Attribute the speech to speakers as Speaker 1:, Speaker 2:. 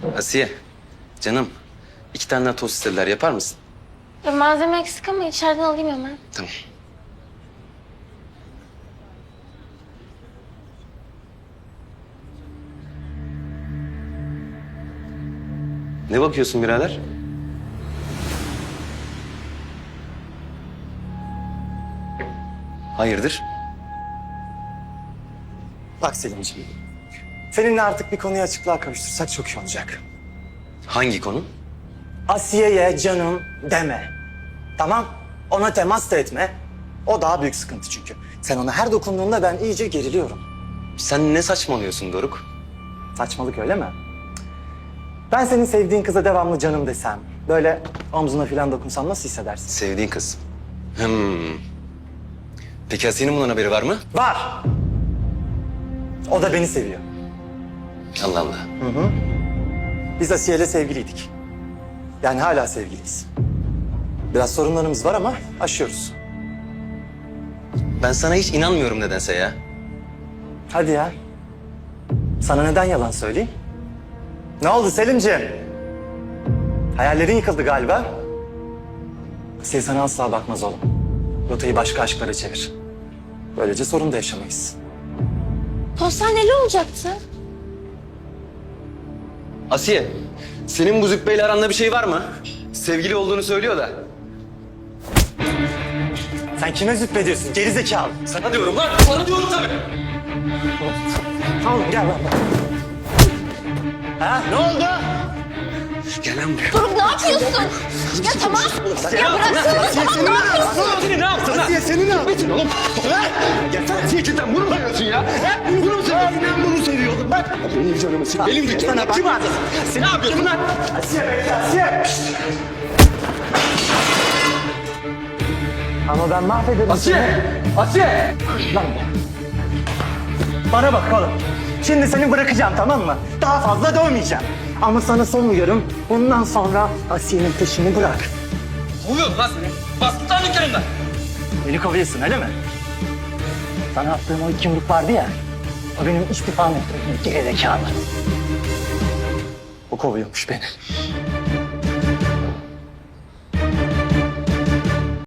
Speaker 1: Asiye, canım. 2 tane daha tost istediler. Yapar mısın?
Speaker 2: Ya malzeme eksik ama içeriden alayım hemen.
Speaker 1: Tamam. Ne bakıyorsun birader? Hayırdır?
Speaker 3: Bak Selimciğim, seninle artık bir konuyu açıklığa kavuştursak çok iyi olacak.
Speaker 1: Hangi konu?
Speaker 3: Asiye'ye canım deme. Tamam? Ona temas da etme. O daha büyük sıkıntı çünkü. Sen ona her dokunduğunda ben iyice geriliyorum.
Speaker 1: Sen ne saçmalıyorsun Doruk?
Speaker 3: Saçmalık öyle mi? Ben senin sevdiğin kıza devamlı canım desem, böyle omzuna falan dokunsam nasıl hissedersin?
Speaker 1: Sevdiğin kız. Peki Asiye'nin bundan haberi var mı?
Speaker 3: Var! O da beni seviyor.
Speaker 1: Allah Allah.
Speaker 3: Biz Asiye'yle sevgiliydik. Yani hala sevgiliyiz. Biraz sorunlarımız var ama aşıyoruz.
Speaker 1: Ben sana hiç inanmıyorum nedense ya.
Speaker 3: Hadi ya. Sana neden yalan söyleyeyim? Ne oldu Selimciğim? Hayallerin yıkıldı galiba. Asiye sana asla bakmaz oğlum. Rotayı başka aşklara çevir. Böylece sorun da yaşamayız.
Speaker 2: Postaneli olacaktı.
Speaker 1: Asiye, senin bu züppeyle aranda bir şey var mı? Sevgili olduğunu söylüyor da.
Speaker 3: Sen kime züppediyorsun gerizekalı?
Speaker 1: Sana diyorum lan, sana diyorum tabii.
Speaker 3: Tamam gel lan. Ha ne oldu?
Speaker 1: Gel lan buraya.
Speaker 2: Doruk ne yapıyorsun? Ya tamam. Ya bıraksana tamam ne yapıyorsun?
Speaker 1: Asiye ne yaptın lan?
Speaker 3: Asiye seni ne yaptın?
Speaker 1: Oğlum, ya Asiye cidden bunu mu seviyorsun ya? Bunu mu seviyorsun? Ben bunu seviyordum. Benim canımı sık. Benim de canımı. Kim aldın? Sen ne yapıyorsun lan?
Speaker 3: Asiye bekle Asiye. Ama ben mahvederim
Speaker 1: Asiye! Asiye!
Speaker 3: Lan be. Bana bak oğlum. Şimdi seni bırakacağım tamam mı? Daha fazla dövmeyeceğim. Ama sana son uyarım. Bundan sonra Asiye'nin peşini bırak.
Speaker 1: Kovuyorum lan seni. Bastı lan dükkanımdan.
Speaker 3: Beni kovuyorsun öyle mi? Sana attığım o 2 yumruk vardı ya. O benim istifam ettiğim gerizekalı. O kovuyormuş beni.